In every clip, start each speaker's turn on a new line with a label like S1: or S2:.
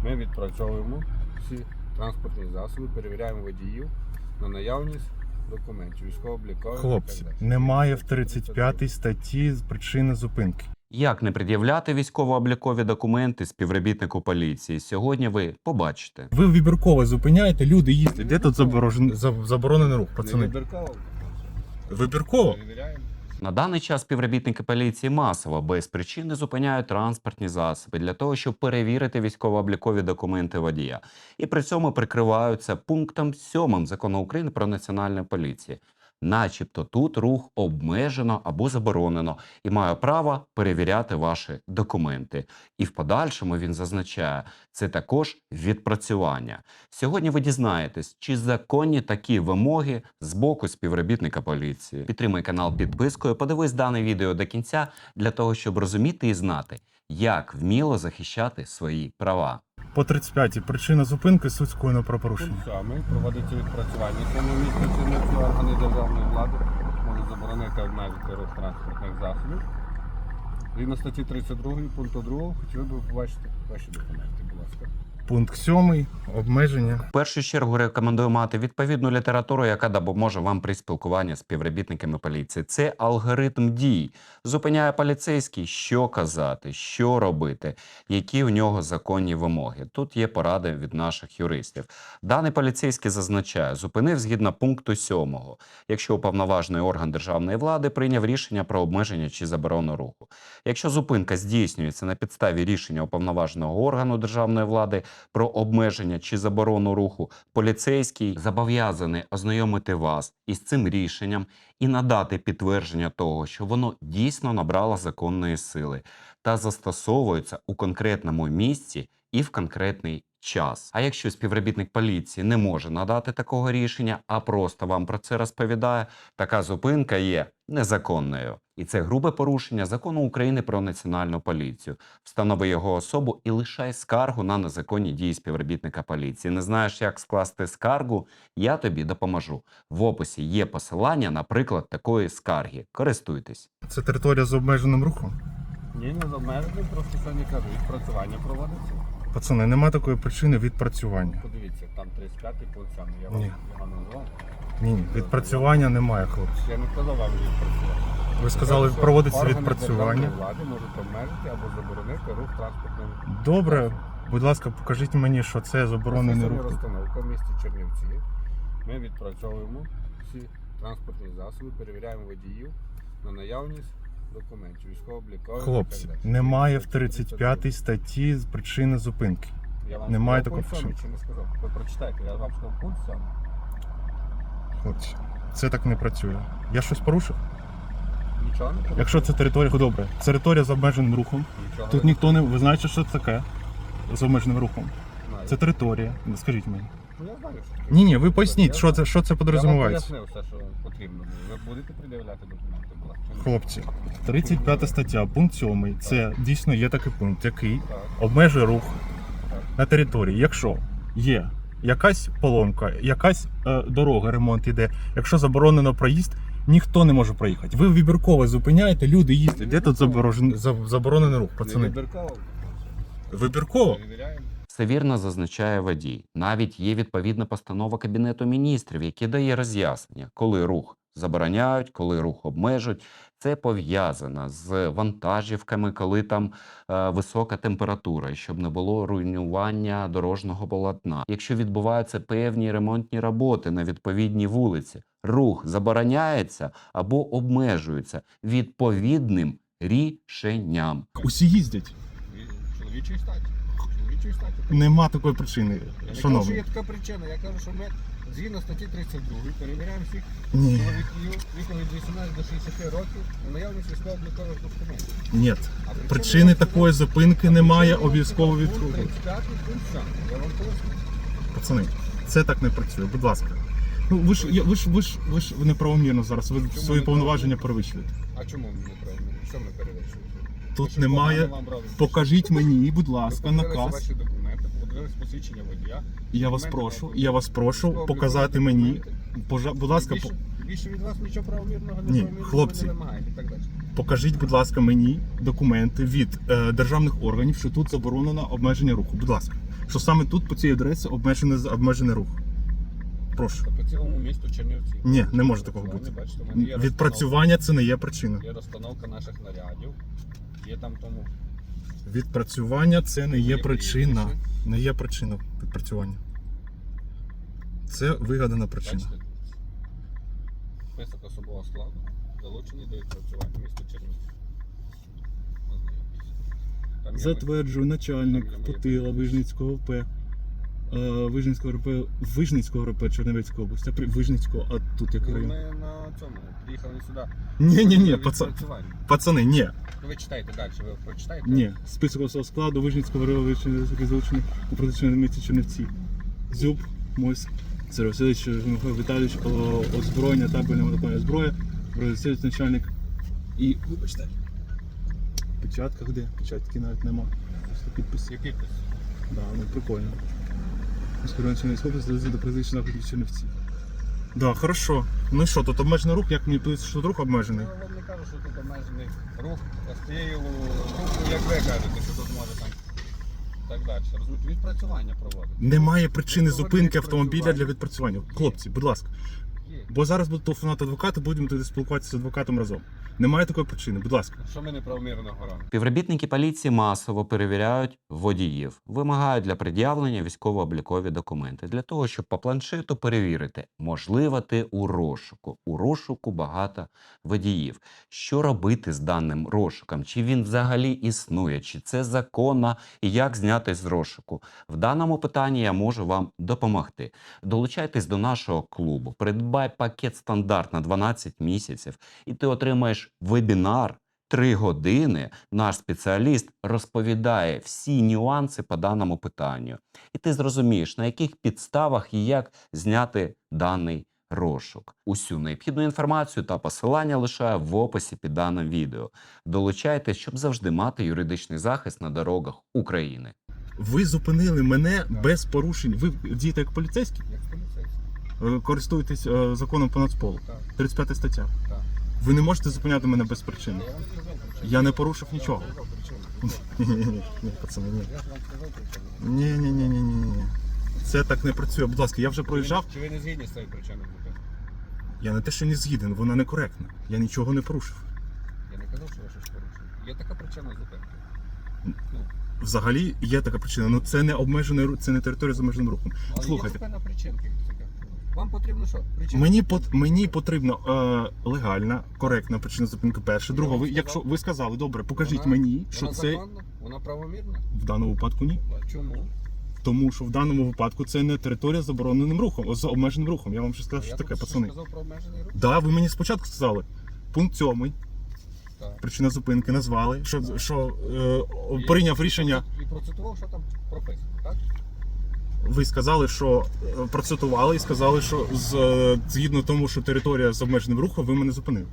S1: Ми відпрацьовуємо всі транспортні засоби, перевіряємо водіїв на наявність документів, військово-облікових.
S2: Хлопці, немає в 35 статті причини зупинки.
S3: Як не пред'являти військово-облікові документи співробітнику поліції? Сьогодні ви побачите.
S2: Ви вибірково зупиняєте, люди їздять. Де тут заборонений рух,
S1: Не
S2: пацани?
S1: вибірково.
S2: Вибірково?
S1: Перевіряємо.
S3: На даний час співробітники поліції масово без причини зупиняють транспортні засоби для того, щоб перевірити військово-облікові документи водія. І при цьому прикриваються пунктом 7 Закону України про національну поліцію. Начебто тут рух обмежено або заборонено і має право перевіряти ваші документи. І в подальшому він зазначає, це також відпрацювання. Сьогодні ви дізнаєтесь, чи законні такі вимоги з боку співробітника поліції. Підтримай канал підпискою, подивись дане відео до кінця для того, щоб розуміти і знати, як вміло захищати свої права.
S2: По 35-й причина зупинки суть скоєного правопорушення.
S1: Пункт 7. Проводиться відпрацювання. Саме місце чинності органи державної влади можуть заборонити обмежити рух транспортних засобів. Згідно статті 32 пункту 2, хотіли б побачити ваші документи, будь ласка.
S2: Пункт 7. Обмеження.
S3: В першу чергу рекомендую мати відповідну літературу, яка допоможе вам при спілкуванні з співробітниками поліції. Це алгоритм дій. Зупиняє поліцейський, що казати, що робити, які в нього законні вимоги. Тут є поради від наших юристів. Даний поліцейський зазначає, зупинив згідно пункту 7. Якщо уповноважений орган державної влади прийняв рішення про обмеження чи заборону руху. Якщо зупинка здійснюється на підставі рішення уповноваженого органу державної влади про обмеження чи заборону руху, поліцейський зобов'язаний ознайомити вас із цим рішенням і надати підтвердження того, що воно дійсно набрало законної сили та застосовується у конкретному місці і в конкретний час. А якщо співробітник поліції не може надати такого рішення, а просто вам про це розповідає, така зупинка є незаконною. І це грубе порушення Закону України про національну поліцію. Встанови його особу і лишай скаргу на незаконні дії співробітника поліції. Не знаєш, як скласти скаргу? Я тобі допоможу. В описі є посилання на приклад такої скарги. Користуйтесь.
S2: Це територія з обмеженим рухом.
S1: Ні, не з обмеженим, просто сьогодні кажу, відпрацювання проводиться.
S2: Пацани, нема такої причини відпрацювання.
S1: Подивіться, там 35 пункт 7. Я вам
S2: Ні.
S1: його назвав.
S2: Ні, відпрацювання немає, хлопці.
S1: Я не сказав вам відпрацювання.
S2: Ви сказали, проводиться
S1: Органи
S2: відпрацювання.
S1: державної влади можуть обмежити або заборонити рух транспортним.
S2: Добре, будь ласка, покажіть мені, що це заборонений
S1: Професійна
S2: рух.
S1: розстановка в місті Чернівці. Ми відпрацьовуємо всі транспортні засоби, перевіряємо водіїв на наявність документів, військово-облікових.
S2: Хлопці,
S1: і так далі.
S2: немає в 35 статті причини зупинки.
S1: Я вам
S2: немає
S1: сказав
S2: такого
S1: пункт 7 чи не сказав? Ви прочитайте, я вам сказав пункт 7.
S2: Хлопці, це так не працює. Я щось порушив?
S1: Нічого не порушує.
S2: Якщо це територія, добре. Територія з обмеженим рухом.
S1: Нічого
S2: Тут
S1: не
S2: ніхто не... Ви знаєте, що це таке? З обмеженим рухом.
S1: знаю.
S2: Це територія. Скажіть мені.
S1: Ну, я знаю, що таке.
S2: Ні, ви поясніть, що це
S1: Я вам
S2: підрозумівається.
S1: пояснив все, що потрібно. Ви будете пред'являти документи, будь ласка?
S2: Хлопці, 35 стаття, пункт 7. Це дійсно є такий пункт, який
S1: Так.
S2: обмежує рух на території. Якщо є якась поломка, якась дорога, ремонт іде, якщо заборонено проїзд, ніхто не може проїхати. Ви вибірково зупиняєте, люди їздять. Де тут заборонений рух,
S1: Не
S2: пацани?
S1: вибірково.
S2: Вибірково?
S1: Перевіряємо.
S3: Все вірно зазначає водій. Навіть є відповідна постанова Кабінету міністрів, які дає роз'яснення, коли рух забороняють, коли рух обмежують. Це пов'язано з вантажівками, коли там висока температура, і щоб не було руйнування дорожнього полотна. Якщо відбуваються певні ремонтні роботи на відповідній вулиці, рух забороняється або обмежується відповідним рішенням.
S2: Усі їздять.
S1: Чоловічої статі. Чоловічої статі.
S2: Нема такої причини,
S1: Я не кажу, що
S2: шановні.
S1: є така причина. Я кажу, що ми згідно статті 32 перевіряємо всіх
S2: Ні,
S1: чоловіків віком від 18 до 60 років на наявність військово-облікових документів.
S2: ні.
S1: А
S2: Причини такої зупинки немає обов'язково
S1: Пункт
S2: відкруту.
S1: 35 пункт 7. Я вам поясню.
S2: Пацани, це так не працює, будь ласка. Ну ви ж неправомірно зараз, ви свої
S1: неправомірно?
S2: повноваження перевищуєте.
S1: А чому ми не правильно? Що ми перевищуємо?
S2: Тут
S1: Що
S2: немає.
S1: погано вам робить?
S2: Покажіть мені, будь
S1: Ви
S2: ласка,
S1: подивилися
S2: наказ.
S1: ваші документи, подивилися посвідчення водія.
S2: Я вас прошу показати мені. Будь ласка,
S1: Більше від вас нічого правомірного,
S2: Ні,
S1: неправомірного
S2: хлопці.
S1: не вимагають і так далі.
S2: покажіть, будь ласка, мені документи від державних органів, що тут заборонено обмеження руху. Будь ласка, що саме тут по цій адресі обмежений рух. Прошу.
S1: По цілому місту Чернівці.
S2: Ні, не може такого бути.
S1: Бачите, в мене є
S2: Відпрацювання це не є причина.
S1: Є розстановка наших нарядів. Є там тому.
S2: Відпрацювання це не є
S1: Є
S2: причина.
S1: прізвище.
S2: Не є причина відпрацювання. Це вигадана причина.
S1: Бачите? Список особового складу. Залучений до відпрацювання міста Чернівці. Ознайомтеся. Там є
S2: Затверджую начальник
S1: Там є
S2: Потила Вижницького ОП. Вижницького РП Чернівецької області. Вижницького, а тут який
S1: Ми
S2: район?
S1: на цьому приїхали сюди.
S2: Ні,
S1: Відпрацювання.
S2: пацани, ні.
S1: Ви читайте далі, ви прочитаєте?
S2: Ні. Список особового складу Вижницького РП залучений у протичному місті Чернівці. Зюб, Мойс, Сергій Васильович, Михайло Віталійович, озброєння, табельне монопольна зброя, Васильович, начальник. І, вибачте, печатка де? Печатки навіть нема. Просто підпис.
S1: Є підпис.
S2: Да, ну прикольно. Скорочений схопець залежить до призначення заходів Чернівці. Да, хорошо. Ну і що, тут обмежений рух, як мені пишуть, що рух обмежений?
S1: Я вам не кажу, що тут обмежений рух, а з тією руху, як ви кажете, що тут може там так далі. Розумієте, відпрацювання проводить.
S2: Немає причини
S1: Проводить
S2: зупинки автомобіля
S1: відпрацювання.
S2: для відпрацювання. Хлопці, будь ласка.
S1: Є.
S2: Бо зараз будуть телефонувати адвокати, будемо тоді спілкуватися з адвокатом разом. Немає такої причини, будь ласка.
S1: Що ми неправомірно граємо?
S3: Співробітники поліції масово перевіряють водіїв, вимагають для пред'явлення військово-облікові документи для того, щоб по планшету перевірити, можливо, ти у розшуку. У розшуку багато водіїв. Що робити з даним розшуком? Чи він взагалі існує? Чи це законно? І як зняти з розшуку? В даному питанні я можу вам допомогти. Долучайтесь до нашого клубу, придбай пакет стандарт на 12 місяців, і ти отримаєш вебінар 3 години. Наш спеціаліст розповідає всі нюанси по даному питанню. І ти зрозумієш, на яких підставах і як зняти даний розшук. Усю необхідну інформацію та посилання лишаю в описі під даним відео. Долучайтесь, щоб завжди мати юридичний захист на дорогах України.
S2: Ви зупинили мене без порушень. Ви дієте як поліцейські?
S1: Як поліцейський.
S2: Користуєтесь законом по нацполу.
S1: Так,
S2: 35 стаття.
S1: так.
S2: Ви не можете зупиняти мене без причини.
S1: Я вам сказав причину.
S2: Я не порушив
S1: Я
S2: нічого.
S1: вам сказав причину.
S2: Ні, пацани, ні.
S1: Я ж вам сказав причину.
S2: Ні. Це так не працює. Будь ласка, я вже проїжджав.
S1: Чи ви не згідні з цією причиною зупинки?
S2: Я не те, що не згіден, вона некоректна. Я нічого не порушив.
S1: Я не казав, що ви щось порушили. Є така причина зупинки.
S2: Взагалі є така причина, але це не обмежений рух, це не територія з обмеженим рухом.
S1: Але
S2: Слухайте,
S1: є певна причинка. Вам потрібно що? Причина?
S2: мені потрібно легальна, коректна причина зупинки. Перше. Друга, ви, якщо ви сказали, добре, покажіть
S1: Вона-
S2: мені, що
S1: Вона
S2: це
S1: законна? Вона правомірна?
S2: в даному випадку ні.
S1: Чому?
S2: Тому що в даному випадку це не територія з забороненим рухом, з обмеженим рухом. Я вам ще сказав, що
S1: Я
S2: таке,
S1: тут
S2: пацани.
S1: сказав про обмежений рух?
S2: Да, ви мені спочатку сказали. Пункт 7,
S1: Так.
S2: причина зупинки назвали, що прийняв рішення.
S1: І процитував, що там прописано, так?
S2: Ви сказали, що процитували і сказали, що згідно тому, що територія з обмеженим рухом, ви мене зупинили.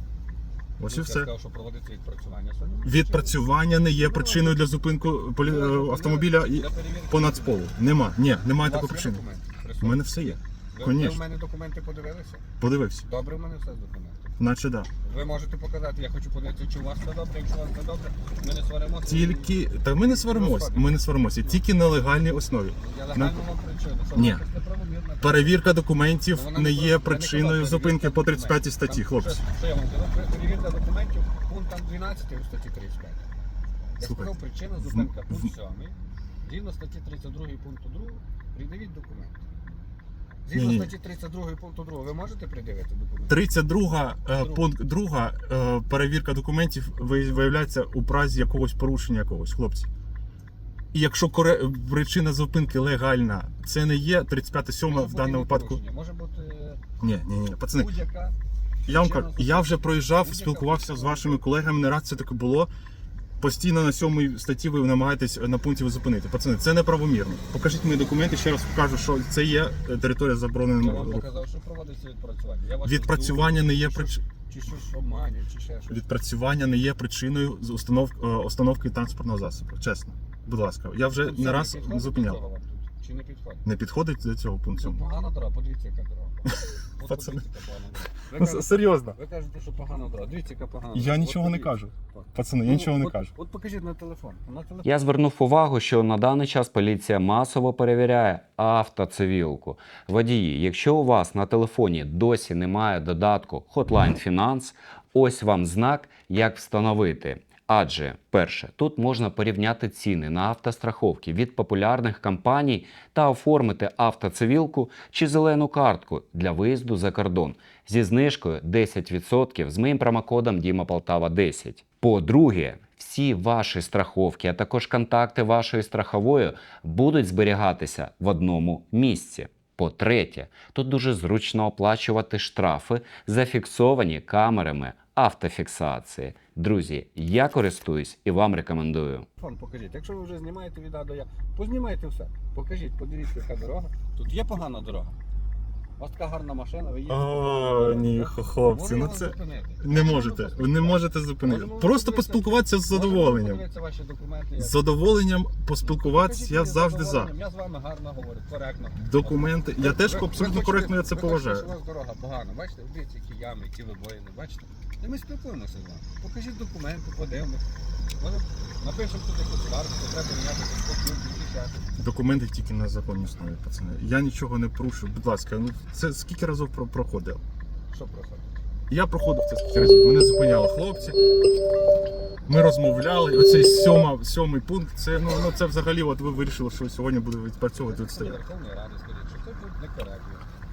S2: Ось і
S1: Я
S2: все.
S1: сказав, що проводиться відпрацювання. Сьогодні
S2: Відпрацювання не є причиною для зупинку автомобіля по нацполу. Немає такої причини. У мене все є.
S1: Ви
S2: Конечно.
S1: в мене документи подивилися?
S2: Подивився.
S1: Добре, в мене все з документів.
S2: Наче да.
S1: Ви можете показати, я хочу подивитися, чи у вас все добре, якщо у вас все добре, ми не сваримося.
S2: Тільки. Та ми не сваримося. Тільки на легальній основі.
S1: Я легально вам причину. Що
S2: Ні.
S1: ви якось неправомірно?
S2: Перевірка документів
S1: Вона
S2: не є
S1: я не
S2: причиною
S1: казав,
S2: зупинки по 35
S1: документів.
S2: статті,
S1: Там,
S2: хлопці.
S1: Що я вам казав? Перевірка документів, пункт там 12 у статті 35. Я
S2: Слухайте,
S1: сказав, причина зупинка пункт 7. Згідно статті 32 пункту 2, придивіть документи. Згідно
S2: Ні-ні.
S1: статті 32 пункту 2, ви можете придивити документи?
S2: 32 пункт 2 перевірка документів виявляється у разі якогось порушення якогось, хлопці. І якщо причина зупинки легальна, це не є 35-7
S1: Може
S2: в
S1: бути
S2: даному
S1: і
S2: випадку.
S1: порушення, може бути
S2: Ні, пацани,
S1: будь-яка.
S2: я вам кажу, я вже проїжджав,
S1: Будь-яка
S2: спілкувався з
S1: причина.
S2: вашими колегами, не раз це таке було. Постійно на 7 статті ви намагаєтесь на пункті ви зупинити. Пацани, це неправомірно. Покажіть мені документи, ще раз покажу, що це є територія
S1: Я
S2: забороненого
S1: вам
S2: руху.
S1: показав, що проводиться відпрацювання. Я вас
S2: Відпрацювання не є
S1: чи
S2: причиною.
S1: Чи щось обманює, чи ще щось.
S2: Відпрацювання не є причиною з установки транспортного засобу. Чесно. Будь ласка, я вже
S1: Тут
S2: не
S1: це
S2: раз
S1: підходить до
S2: зупиняв.
S1: цього вам тут? Чи не підходить?
S2: Не підходить до цього
S1: Це
S2: пункту.
S1: погана дорога, подивіться, яка дорога. От
S2: Пацани.
S1: подивіться, яка погана дорога. Ви
S2: Ну,
S1: кажете-
S2: серйозно.
S1: Ви кажете, що погана дорога. Дивіться, яка погана
S2: Я
S1: дорога.
S2: нічого
S1: От
S2: не
S1: подивіться.
S2: кажу. Пацани, я нічого не кажу.
S1: От покажіть на телефон. На телефон.
S3: Я звернув увагу, що на даний час поліція масово перевіряє автоцивілку. Водії, якщо у вас на телефоні досі немає додатку Hotline Finance, ось вам знак, як встановити. Адже, перше, тут можна порівняти ціни на автостраховки від популярних компаній та оформити автоцивілку чи зелену картку для виїзду за кордон зі знижкою 10% з моїм промокодом DIMAPOLTAVA10. По-друге, всі ваші страховки, а також контакти вашої страхової будуть зберігатися в одному місці. По-третє, тут дуже зручно оплачувати штрафи, зафіксовані камерами автофіксації. Друзі, я користуюсь і вам рекомендую.
S1: Телефон покажіть. Якщо ви вже знімаєте від А до Я, познімайте все. Покажіть, подивіться, яка дорога. Тут є погана дорога. У вас така гарна машина, ви їдете.
S2: О, ні, хлопці,
S1: Можу
S2: ну
S1: я вас
S2: це
S1: зупинити?
S2: не
S1: Можу
S2: можете.
S1: вас
S2: Ви не можете зупинити.
S1: Можемо
S2: Просто
S1: подивитися-
S2: поспілкуватися з
S1: Можемо
S2: задоволенням.
S1: подивитися ваші документи.
S2: З задоволенням поспілкуватися
S1: Покажіть
S2: я
S1: мені
S2: завжди за.
S1: задоволенням. Я з вами гарно говорю, коректно.
S2: Документи. Я теж
S1: Ви
S2: абсолютно
S1: хочете-
S2: коректно я це
S1: ви
S2: поважаю.
S1: хочете, що у вас дорога погана. Бачите, дивіться, які ями, які вибоїни, бачите? І ми спілкуємося з вами. Покажіть документи, подивимося. Може, напишемо тут якусь скаргу, що треба міняти спокійно, і ще щось.
S2: Документи тільки на законній основі, пацани. Я нічого не порушую. Будь ласка, ну це скільки разів проходив?
S1: Що просто?
S2: Я проходив це скільки разів. Мене зупиняли хлопці. Ми розмовляли. Оцей сьомий пункт. Це це взагалі. От ви вирішили, що сьогодні буде відпрацьовувати
S1: Це
S2: відстояти.
S1: Верховної Ради, скажіть, що це тут некоректно.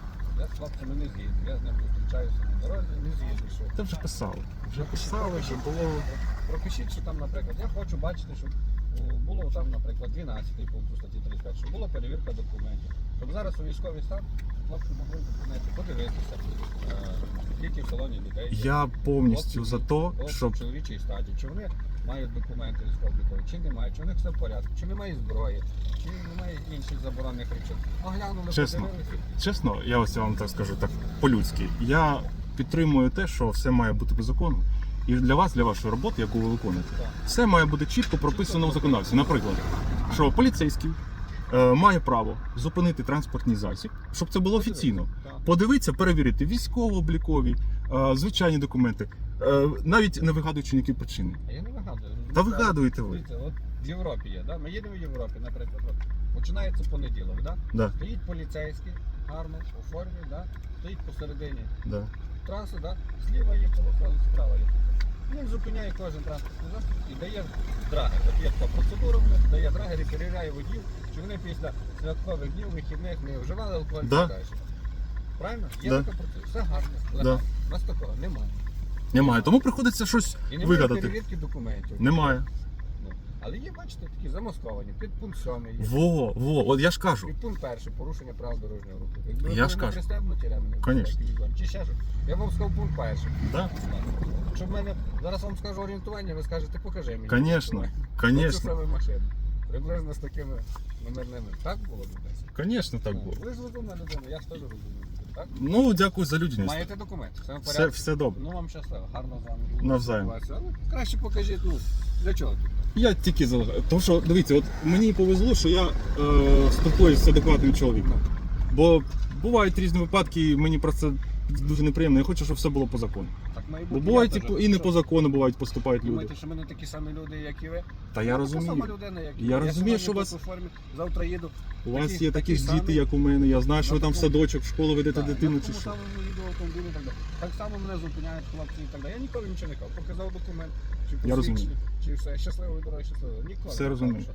S1: Я з хлопцями не згідний, я з ним зустрічаюся на дорозі, не згідний, що...
S2: Це вже писали. Вже писали, що було.
S1: Пропишіть, що там, наприклад, я хочу бачити, щоб було там, наприклад, 12 пункт у статті 35, щоб була перевірка документів. Щоб зараз у військовий стан хлопці могли документи подивитися, скільки в салоні людей є.
S2: Я повністю
S1: Хлопці,
S2: за те,
S1: хлопці
S2: щоб
S1: в чоловічій статі, чи вони мають документи військово-облікові, чи не мають, чи у них все в порядку, чи немає зброї, чи немає інших заборонених речей. Оглянули,
S2: Чесно.
S1: подивилися.
S2: чесно, я ось вам так скажу так по-людськи. Я підтримую те, що все має бути по закону. І для вас, для вашої роботи, яку ви виконуєте,
S1: Так.
S2: все має бути чітко прописано в законодавстві. Наприклад, що поліцейський має право зупинити транспортний засіб, щоб це було офіційно.
S1: Так.
S2: Подивитися, перевірити військово-облікові, звичайні документи, навіть не вигадуючи ніякі причини.
S1: А я не вигадую.
S2: Та вигадуєте ви.
S1: Дивіться, от в Європі є, да? Ми їдемо в Європі, наприклад. От, починається понеділок, да?
S2: Да,
S1: Стоїть поліцейський, гарно, у формі, да? Стоїть посередині
S2: да.
S1: траси, да? Зліва є полоса, справа є полоса. Він зупиняє кожен транспортний засіб і дає драгер. От є така процедура, дає драгер і перевіряє водіїв, чи вони після святкових днів, вихідних не вживали алкоголь і
S2: Да.
S1: так далі. Правильно? Є
S2: Да.
S1: така процедура. Все гарно.
S2: Да.
S1: легально. У нас такого немає.
S2: Немає. Тому приходиться щось
S1: І немає
S2: вигадати.
S1: перевірки документів.
S2: Немає.
S1: Ну, але є, бачите, такі замасковані. Підпункт 7 є.
S2: От я ж кажу.
S1: Підпункт 1 порушення правил дорожнього руху. Якби ви
S2: Я ж
S1: були
S2: кажу.
S1: пристебнуті ременем
S2: Конечно.
S1: безпеки візуально, чи ще щось. Я вам сказав пункт 1.
S2: Да?
S1: Щоб в мене зараз вам скажу орієнтування, ви скажете, покажи мені.
S2: Конечно,
S1: орієнтування.
S2: конечно.
S1: Це саме машина. Приблизно з такими номерними. Так було б десь?
S2: Конечно, так було.
S1: Ви ж розумна людина, я ж теж розумію. Так?
S2: Ну, дякую за людяність.
S1: Маєте документи, все в порядку.
S2: Все добре.
S1: Ну вам щасливо, гарно з вами.
S2: Навзаєм.
S1: спілкуватися. Але краще покажіть, ну, для чого тут?
S2: Я тільки залагаю. Тому що, дивіться, от мені повезло, що я спілкуюся з адекватним чоловіком. Бо бувають різні випадки, і мені про це дуже неприємно. Я хочу, щоб все було по закону.
S1: Так має
S2: Бо
S1: бути.
S2: бувають
S1: Я
S2: і не
S1: теж.
S2: по закону бувають поступають люди.
S1: Думаєте, що ми не такі самі люди, як і ви?
S2: Та я
S1: Така сама
S2: розумію.
S1: людина, як і
S2: Я
S1: ви.
S2: розумію, що
S1: сьогодні
S2: вас-
S1: тут у формі, завтра їду.
S2: У вас
S1: такі-
S2: є такі ж
S1: такі
S2: діти,
S1: самі.
S2: як у мене. Я знаю, що ви
S1: На
S2: там в
S1: такому-
S2: садочок, в школу ведете
S1: Так,
S2: дитину
S1: я
S2: чи
S1: в тому
S2: що.
S1: самому їду в автомобілі і так далі. Так само мене зупиняють хлопці і так далі. Я ніколи нічого не кажу. Показав документ, чи
S2: Я розумію.
S1: посвідчення, чи все. Щасливої дороги, щасливо. Ніколи.
S2: Все
S1: не
S2: розумію.
S1: кажу,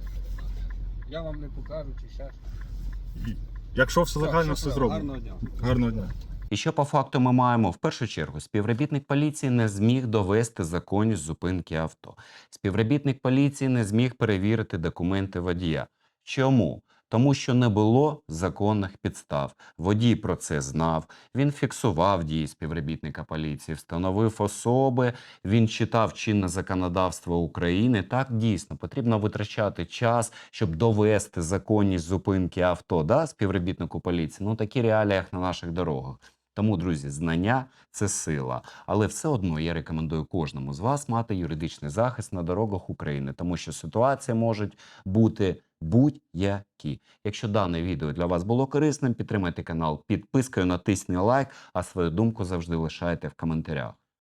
S1: що я вам не покажу, чи ще щось.
S2: Якщо все легально, все
S1: щасливо.
S2: зроблено.
S1: Гарного дня.
S2: Гарного дня.
S3: І що по факту ми маємо? В першу чергу, співробітник поліції не зміг довести законність зупинки авто. Співробітник поліції не зміг перевірити документи водія. Чому? Тому що не було законних підстав. Водій про це знав, він фіксував дії співробітника поліції, встановив особи, він читав чинне законодавство України. Так, дійсно, потрібно витрачати час, щоб довести законність зупинки авто, да, співробітнику поліції. Ну, такі реалії на наших дорогах. Тому, друзі, знання – це сила. Але все одно я рекомендую кожному з вас мати юридичний захист на дорогах України, тому що ситуації можуть бути Будь-які. Якщо дане відео для вас було корисним, підтримайте канал підпискою, натисніть лайк, а свою думку завжди лишайте в коментарях.